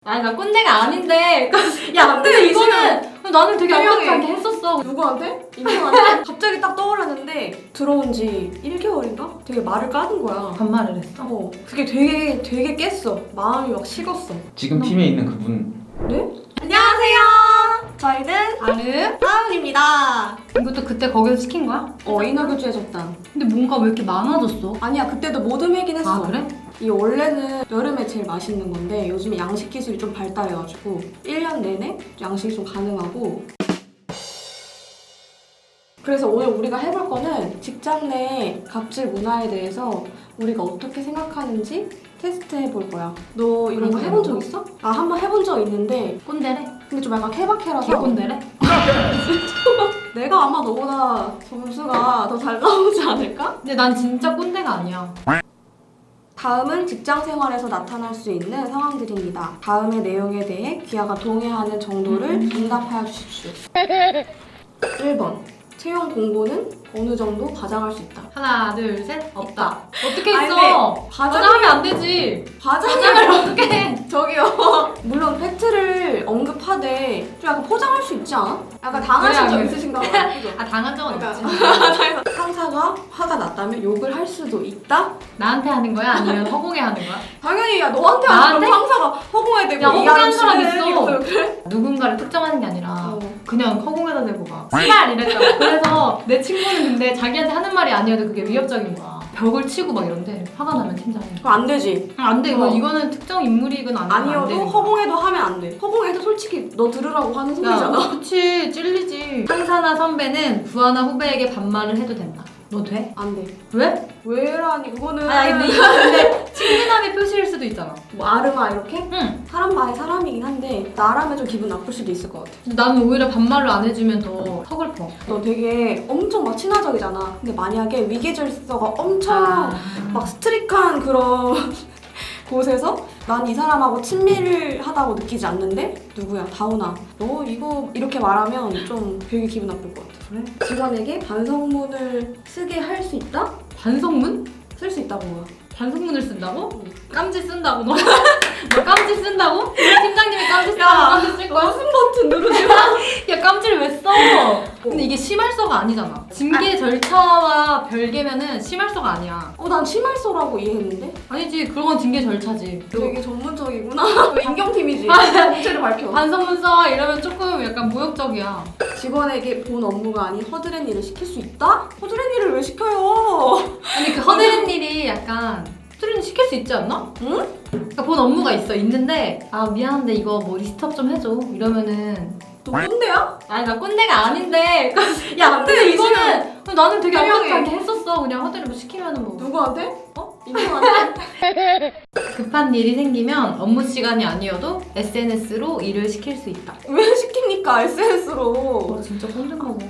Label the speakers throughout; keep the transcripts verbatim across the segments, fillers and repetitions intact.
Speaker 1: 아니 나 꼰대가 아닌데 야 근데 이거는 나는 되게
Speaker 2: 설명해.
Speaker 1: 아무렇게 했었어.
Speaker 2: 누구한테? 인형한테? 갑자기 딱 떠올랐는데 들어온 지 일 개월인가? 되게 말을 까는 거야.
Speaker 1: 반말을 했어?
Speaker 2: 어, 그게 되게 되게 깼어. 마음이 막 식었어.
Speaker 3: 지금 팀에 있는 그분
Speaker 2: 네? 안녕하세요. 저희는
Speaker 1: 아름?
Speaker 2: 하은입니다.
Speaker 1: 이것도 그때 거기서 시킨 거야?
Speaker 2: 어, 인어교주의 접단.
Speaker 1: 근데 뭔가 왜 이렇게 많아졌어?
Speaker 2: 아니야, 그때도 모듬회긴 했어.
Speaker 1: 아 그래?
Speaker 2: 이 원래는 여름에 제일 맛있는 건데 요즘에 양식 기술이 좀 발달해가지고 일 년 내내 양식이 좀 가능하고. 그래서 오늘 우리가 해볼 거는 직장 내 갑질 문화에 대해서 우리가 어떻게 생각하는지 테스트 해볼 거야. 너 이런 거
Speaker 1: 그래,
Speaker 2: 해본 적
Speaker 1: 뭐.
Speaker 2: 있어? 아, 한 번 해본 적 있는데
Speaker 1: 꼰대래?
Speaker 2: 근데 좀 약간 케바케라서
Speaker 1: 개꼰대래?
Speaker 2: 내가 아마 너보다 점수가 더 잘 나오지 않을까?
Speaker 1: 근데 난 진짜 꼰대가 아니야.
Speaker 2: 다음은 직장 생활에서 나타날 수 있는 상황들입니다. 다음의 내용에 대해 귀하가 동의하는 정도를
Speaker 1: 음.
Speaker 2: 응답하여 주십시오. 일 번. 채용 공고는 어느 정도 과장할 수 있다.
Speaker 1: 하나 둘 셋 없다. 어떻게
Speaker 2: 아니,
Speaker 1: 했어?
Speaker 2: 근데
Speaker 1: 과장하면 안 되지.
Speaker 2: 과장을
Speaker 1: 과장을 어떻게 해?
Speaker 2: 저기요. 물론 팩트를 언급하되 좀 약간 포장할 수 있지 않아? 약간 당하신
Speaker 1: 그래,
Speaker 2: 적
Speaker 1: 그래.
Speaker 2: 있으신가 봐요. 그죠?
Speaker 1: 아 당한 적은
Speaker 2: 그러니까.
Speaker 1: 있지.
Speaker 2: 상사가 화가 났다면 욕을 할 수도 있다?
Speaker 1: 나한테 하는 거야? 아니면 허공에 하는 거야?
Speaker 2: 당연히 야 너한테
Speaker 1: 나한테?
Speaker 2: 하면 상사가 허공에 대고
Speaker 1: 야, 허공에 하는 사람 있어.
Speaker 2: 이러면서 그래?
Speaker 1: 누군가를 특정하는 게 아니라
Speaker 2: 어.
Speaker 1: 그냥 허공에다 대고 막 씨발 이랬잖아. 그래서 내 친구는 근데 자기한테 하는 말이 아니어도 그게 위협적인 거야. 벽을 치고 막 이런데 화가 나면 팀장이
Speaker 2: 그럼 안 되지.
Speaker 1: 아, 안 돼. 이거
Speaker 2: 어.
Speaker 1: 이거는 특정 인물이건 아니건 안
Speaker 2: 아니어도
Speaker 1: 되는 거야.
Speaker 2: 허공에도 하면 안 돼. 허공에도 솔직히 너 들으라고 하는 소리잖아.
Speaker 1: 야, 그치 찔리지. 상사나 선배는 부하나 후배에게 반말을 해도 된다. 너 돼?
Speaker 2: 안 돼.
Speaker 1: 왜?
Speaker 2: 왜라니 그거는
Speaker 1: 아니 근데 이거 근데 친근함의 표시일 수도 있잖아.
Speaker 2: 뭐 아르마 이렇게
Speaker 1: 응.
Speaker 2: 사람 바이 사람이긴 한데 나라면 좀 기분 나쁠 수도 있을 것 같아.
Speaker 1: 근데 나는 오히려 반말을 안 해주면 더 서글퍼.
Speaker 2: 너 되게 엄청 막 친화적이잖아. 근데 만약에 위계질서가 엄청
Speaker 1: 아.
Speaker 2: 막 스트릭한 그런 곳에서 난 이 사람하고 친밀하다고 느끼지 않는데 누구야 다운아 너 이거 이렇게 말하면 좀 되게 기분 나쁠 것 같아.
Speaker 1: 그래?
Speaker 2: 직원에게 반성문을 쓰게 할 수 있다?
Speaker 1: 반성문?
Speaker 2: 쓸 수 있다고 봐.
Speaker 1: 반성문을 쓴다고?
Speaker 2: 응.
Speaker 1: 깜지 쓴다고 너? 너 깜지 쓴다고? 팀장님이 깜지 쓰라고 깜지 쓸 거야?
Speaker 2: 무슨 버튼 누르지 마.
Speaker 1: 야 깜지를 왜 써? 근데 이게 심할서가 아니잖아. 징계 절차와 별개면은 심할서가 아니야.
Speaker 2: 어, 난 심할서라고 이해했는데?
Speaker 1: 아니지 그건 징계 절차지.
Speaker 2: 되게 전문적이구나. 너 인경팀이지? 정체를 밝혀.
Speaker 1: 반성문 써 이러면 조금 약간 모욕적이야.
Speaker 2: 직원에게 본 업무가 아닌 허드렛 일을 시킬 수 있다? 허드렛 일을 왜 시켜요?
Speaker 1: 아니 그 허드렛 일이 약간 허드렛 시킬 수 있지 않나?
Speaker 2: 응?
Speaker 1: 그러니까 본 업무가 있어 있는데 아 미안한데 이거 뭐 리스트업 좀 해줘 이러면은
Speaker 2: 너 꼰대야?
Speaker 1: 아니 나 꼰대가 아닌데 야
Speaker 2: 근데
Speaker 1: 근데
Speaker 2: 이거는
Speaker 1: 이거는 나는 되게
Speaker 2: 설명해.
Speaker 1: 아무렇게 했었어. 그냥 허드렛 뭐 시키면은 뭐
Speaker 2: 누구한테? 어? 인경한테?
Speaker 1: 급한 일이 생기면 업무 시간이 아니어도 에스엔에스로 일을 시킬 수 있다.
Speaker 2: 왜 시킵니까? 에스엔에스로.
Speaker 1: 와 진짜 꼰대인가 봐.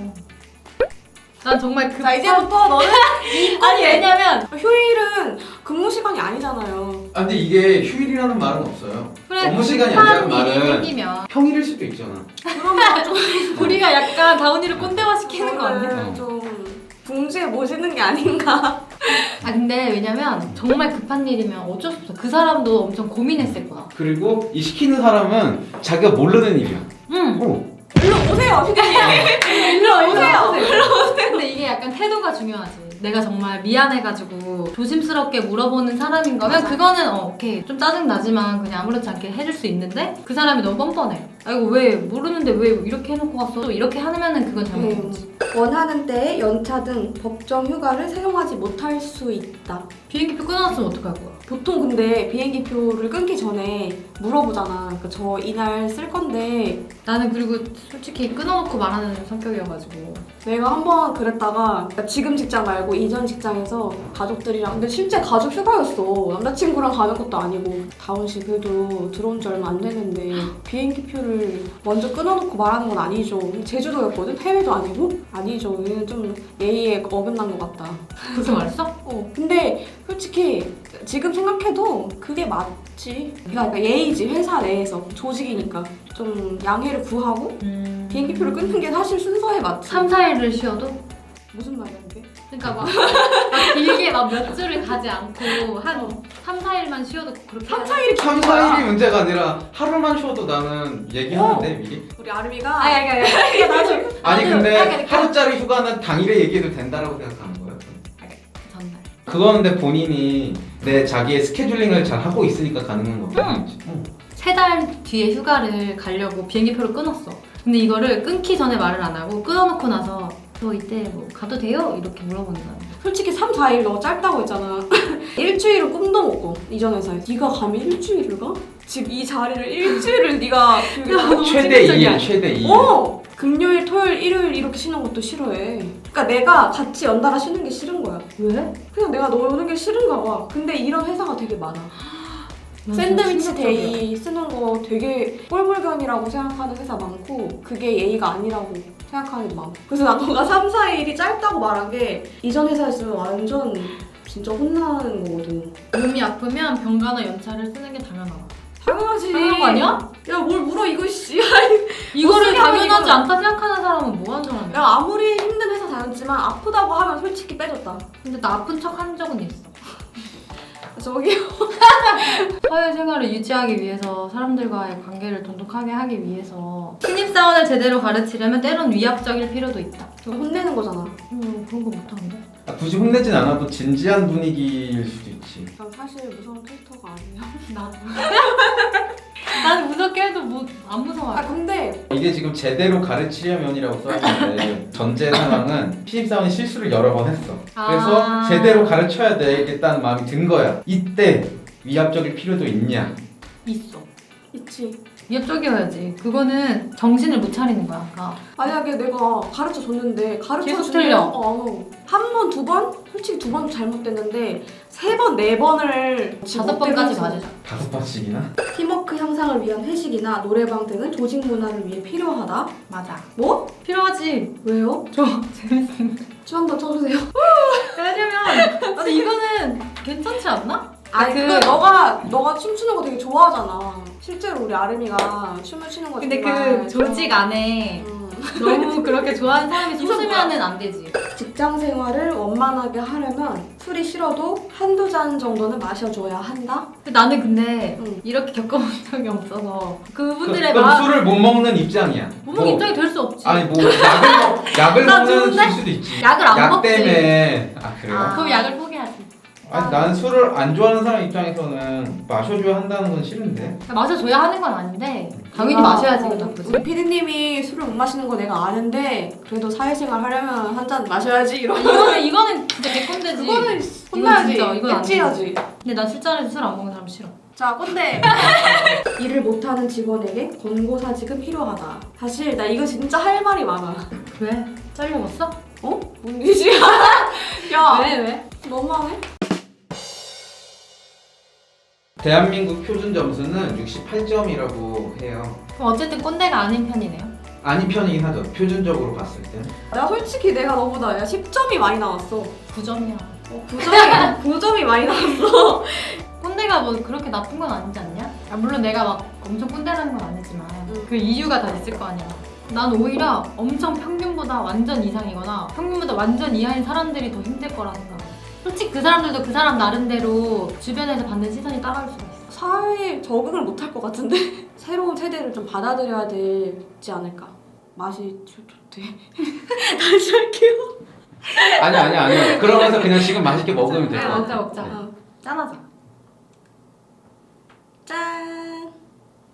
Speaker 1: 난 정말 급
Speaker 2: 자, 이제부터 너는
Speaker 1: 아니 왜냐면
Speaker 2: 휴일은 근무 시간이 아니잖아요.
Speaker 3: 아 근데 이게 휴일이라는 말은 없어요.
Speaker 1: 그래
Speaker 3: 업무 시간이
Speaker 1: 급한
Speaker 3: 아니라는
Speaker 1: 일이
Speaker 3: 말은
Speaker 1: 생기면
Speaker 3: 평일일 수도 있잖아.
Speaker 2: 그러면 좀
Speaker 1: 우리가 약간 다운이를 꼰대화 시키는 거 아니야?
Speaker 2: 저는 좀 궁지에 모시는 게 아닌가.
Speaker 1: 아 근데 왜냐면 정말 급한 일이면 어쩔 수 없어. 그 사람도 엄청 고민했을 거야.
Speaker 3: 그리고 이 시키는 사람은 자기가 모르는 일이야.
Speaker 1: 응.
Speaker 3: 어.
Speaker 2: 일로 오세요, 피디님. 일로 오세요.
Speaker 1: 근데 이게 약간 태도가 중요하지. 내가 정말 미안해가지고 조심스럽게 물어보는 사람인 거면
Speaker 2: 맞아.
Speaker 1: 그거는 어, 오케이 좀 짜증 나지만 그냥 아무렇지 않게 해줄 수 있는데 그 사람이 너무 뻔뻔해. 아 이거 왜 모르는데 왜 이렇게 해놓고 갔어? 또 이렇게 하면은 그건 잘못된 거지.
Speaker 2: 원하는 때에 연차 등 법정 휴가를 사용하지 못할 수 있다.
Speaker 1: 비행기표 끊어놨으면 어떡할 거야?
Speaker 2: 보통 근데 비행기 표를 끊기 전에 물어보잖아. 그러니까 저 이날 쓸 건데
Speaker 1: 나는 그리고 솔직히 끊어놓고 말하는 성격이어가지고
Speaker 2: 내가 한번 그랬다가 그러니까 지금 직장 말고 이전 직장에서 가족들이랑 근데 실제 가족 휴가였어. 남자친구랑 가는 것도 아니고 다운 씨 그래도 들어온 지 얼마 안 됐는데 비행기 표를 먼저 끊어놓고 말하는 건 아니죠. 제주도였거든? 해외도 아니고? 아니죠. 이건 좀 예의에 어긋난 것 같다.
Speaker 1: 그렇게 말했어?
Speaker 2: 어 근데 솔직히 지금 생각해도 그게 맞지. 그러니까 예의지. 회사 내에서 조직이니까 좀 양해를 구하고
Speaker 1: 음...
Speaker 2: 비행기표를 끊는 게 사실 순서에 맞지.
Speaker 1: 삼, 사 일을 쉬어도?
Speaker 2: 무슨 말이야 이게?
Speaker 1: 그러니까 막, 막 길게 막 몇 주를 가지 않고 한
Speaker 2: 어.
Speaker 1: 삼, 사 일만 쉬어도 그렇게
Speaker 2: 삼, 사 일이
Speaker 3: 삼, 사 일이 문제가 아니라 하루만 쉬어도 나는 얘기하는데 미리.
Speaker 2: 우리 아름이가
Speaker 1: 아니 아니 아니 나도
Speaker 3: 아니
Speaker 1: 나도
Speaker 3: 근데
Speaker 1: 아니, 아니,
Speaker 3: 하루짜리 휴가는 당일에 얘기해도 된다라고 생각하는 거예요.
Speaker 1: 전날
Speaker 3: 그거는 근데 본인이 내 자기의 스케줄링을 잘 하고 있으니까 가능한 거거든. 응.
Speaker 1: 세 달 뒤에 휴가를 가려고 비행기표를 끊었어. 근데 이거를 끊기 전에 말을 안 하고 끊어놓고 나서 저 이때 뭐 가도 돼요? 이렇게 물어보는 거야.
Speaker 2: 솔직히 삼, 사 일 너 짧다고 했잖아. 일주일은 꿈도 못 꿔. 이전 회사에. 네가 감히 일주일을 가? 지금 이 자리를 일주일을 네가 비우겠다고.
Speaker 3: 최대 이 일, 최대 이 일.
Speaker 2: 어! 금요일, 토요일, 일요일 이렇게 쉬는 것도 싫어해. 그러니까 내가 같이 연달아 쉬는 게 싫은 거야.
Speaker 1: 왜?
Speaker 2: 그냥 내가 노는 게 싫은가 봐. 근데 이런 회사가 되게 많아.
Speaker 1: 난
Speaker 2: 샌드위치
Speaker 1: 좀
Speaker 2: 데이 쓰는 거 되게 꼴불견이라고 생각하는 회사 많고 그게 예의가 아니라고 생각하는 게 많고 그래서 난 너가 삼, 사 일이 짧다고 말한 게 이전 회사였으면 완전 진짜 혼나는 거거든.
Speaker 1: 몸이 아프면 병가나 연차를 쓰는 게 당연하다.
Speaker 2: 당연하지.
Speaker 1: 당연한 거 아니야?
Speaker 2: 야 뭘 물어 이거 씨.
Speaker 1: 이거를
Speaker 2: 쓰냐고,
Speaker 1: 당연하지
Speaker 2: 이거를.
Speaker 1: 않다 생각하는 사람은 뭐 하는 사람이야?
Speaker 2: 야 아무리 힘든 회사 다녔지만 아프다고 하면 솔직히 빼줬다.
Speaker 1: 근데 나 아픈 척 한 적은 있어.
Speaker 2: 저기
Speaker 1: 사회생활을 유지하기 위해서 사람들과의 관계를 돈독하게 하기 위해서 신입사원을 제대로 가르치려면 때론 위압적일 필요도 있다.
Speaker 2: 저 혼내는 거잖아.
Speaker 1: 음, 그런 거 못하는데?
Speaker 3: 아, 굳이 혼내진 않아도 진지한 분위기일 수도 있지.
Speaker 2: 난 사실 무서운 캐릭터가 아니야.
Speaker 1: 나도. 난 무섭게 해도 뭐 안 무서워.
Speaker 2: 아 근데
Speaker 3: 이게 지금 제대로 가르치려면이라고 써있는데 전제 상황은 신입사원이 실수를 여러 번 했어. 그래서
Speaker 1: 아.
Speaker 3: 제대로 가르쳐야 되겠다는 마음이 든 거야. 이때 위압적일 필요도 있냐?
Speaker 1: 있어.
Speaker 2: 있지.
Speaker 1: 위압적이어야지. 그거는 정신을 못 차리는 거야. 아까.
Speaker 2: 만약에 내가 가르쳐 줬는데 가르쳐
Speaker 1: 계속
Speaker 2: 줬는데
Speaker 1: 틀려.
Speaker 2: 어, 한 번, 두 번? 솔직히 두 번 잘못됐는데 세 번, 네 번을
Speaker 1: 다섯 번까지 맞으자.
Speaker 3: 다섯 번씩이나?
Speaker 2: 팀워크 향상을 위한 회식이나 노래방 등은 조직 문화를 위해 필요하다.
Speaker 1: 맞아.
Speaker 2: 뭐?
Speaker 1: 필요하지.
Speaker 2: 왜요?
Speaker 1: 저 재밌습니다.
Speaker 2: 춤 한번 춰주세요.
Speaker 1: 왜냐면 근데 이거는 괜찮지 않나?
Speaker 2: 아니
Speaker 1: 그-
Speaker 2: 그 너가 너가 춤추는 거 되게 좋아하잖아. 실제로 우리 아름이가 춤을 추는 거
Speaker 1: 근데
Speaker 2: 정말
Speaker 1: 그 조직
Speaker 2: 좋아.
Speaker 1: 안에
Speaker 2: 음.
Speaker 1: 너무 그렇게 좋아하는 사람이
Speaker 2: 이거
Speaker 1: 솟으면은 안 되지.
Speaker 2: 직장 생활을 원만하게 하려면 술이 싫어도 한두 잔 정도는 마셔줘야 한다.
Speaker 1: 근데 나는 근데
Speaker 2: 응.
Speaker 1: 이렇게 겪어본 적이 없어서 그분들의
Speaker 3: 그럼
Speaker 1: 마음
Speaker 3: 술을 못 먹는 입장이야.
Speaker 1: 못 먹는 입장이 될 수 없지.
Speaker 3: 아니 뭐 약을 먹, 약을
Speaker 1: 나
Speaker 3: 먹는
Speaker 1: 좋은데?
Speaker 3: 줄 수도 있지.
Speaker 1: 약을 안
Speaker 3: 약
Speaker 1: 먹지.
Speaker 3: 때문에. 아 그래요?
Speaker 2: 아.
Speaker 1: 그럼 약을 포기하지.
Speaker 3: 아니 나는 술을 안 좋아하는 사람 입장에서는 마셔줘야 한다는 건 싫은데.
Speaker 1: 마셔줘야 하는 건 아닌데 당연히
Speaker 2: 아,
Speaker 1: 마셔야지.
Speaker 2: 어,
Speaker 1: 이거 나쁘지.
Speaker 2: 우리 피디님이 술을 못 마시는 거 내가 아는데 그래도 사회생활 하려면 한 잔 마셔야지 이런.
Speaker 1: 이거는 이거는 진짜 개꼰대지.
Speaker 2: 그거는
Speaker 1: 이건
Speaker 2: 혼나야지.
Speaker 1: 진짜, 이건 안
Speaker 2: 엣지야지.
Speaker 1: 근데 난 술자리에서 술 안 먹는 사람 싫어.
Speaker 2: 자, 꼰대. 일을 못하는 직원에게 권고사직은 필요하다. 사실 나 이거 진짜 할 말이 많아.
Speaker 1: 왜? 잘려봤어?
Speaker 2: 어? 뭔 짓이야? 야,
Speaker 1: 왜 왜?
Speaker 2: 너무하네.
Speaker 3: 대한민국 표준 점수는 육십팔 점이라고 해요.
Speaker 1: 그럼 어쨌든 꼰대가 아닌 편이네요.
Speaker 3: 아닌 편이긴 하죠. 표준적으로 봤을 때.
Speaker 2: 나 솔직히 내가 너보다 야 십 점이 많이 나왔어.
Speaker 1: 구 점이야.
Speaker 2: 어, 구 점이 구 점이 많이 나왔어.
Speaker 1: 꼰대가 뭐 그렇게 나쁜 건 아니지 않냐? 아, 물론 내가 막 엄청 꼰대라는 건 아니지만
Speaker 2: 응.
Speaker 1: 그 이유가 다 있을 거 아니야. 난 오히려 엄청 평균보다 완전 이상이거나 평균보다 완전 이하인 사람들이 더 힘들 거라 생각해. 솔직히 그 사람들도 그 사람 나름대로 주변에서 받는 시선이 따라올 수가 있어.
Speaker 2: 사회에 적응을 못 할 것 같은데 새로운 세대를 좀 받아들여야 되지 않을까. 맛이 좋- 좋대. 다시 할게요.
Speaker 3: 아니 아니 아니. 그러면서 그냥 지금 맛있게 먹으면 될 것
Speaker 1: 먹자
Speaker 3: 같아.
Speaker 1: 먹자.
Speaker 2: 어.
Speaker 1: 짠하자.
Speaker 2: 짠.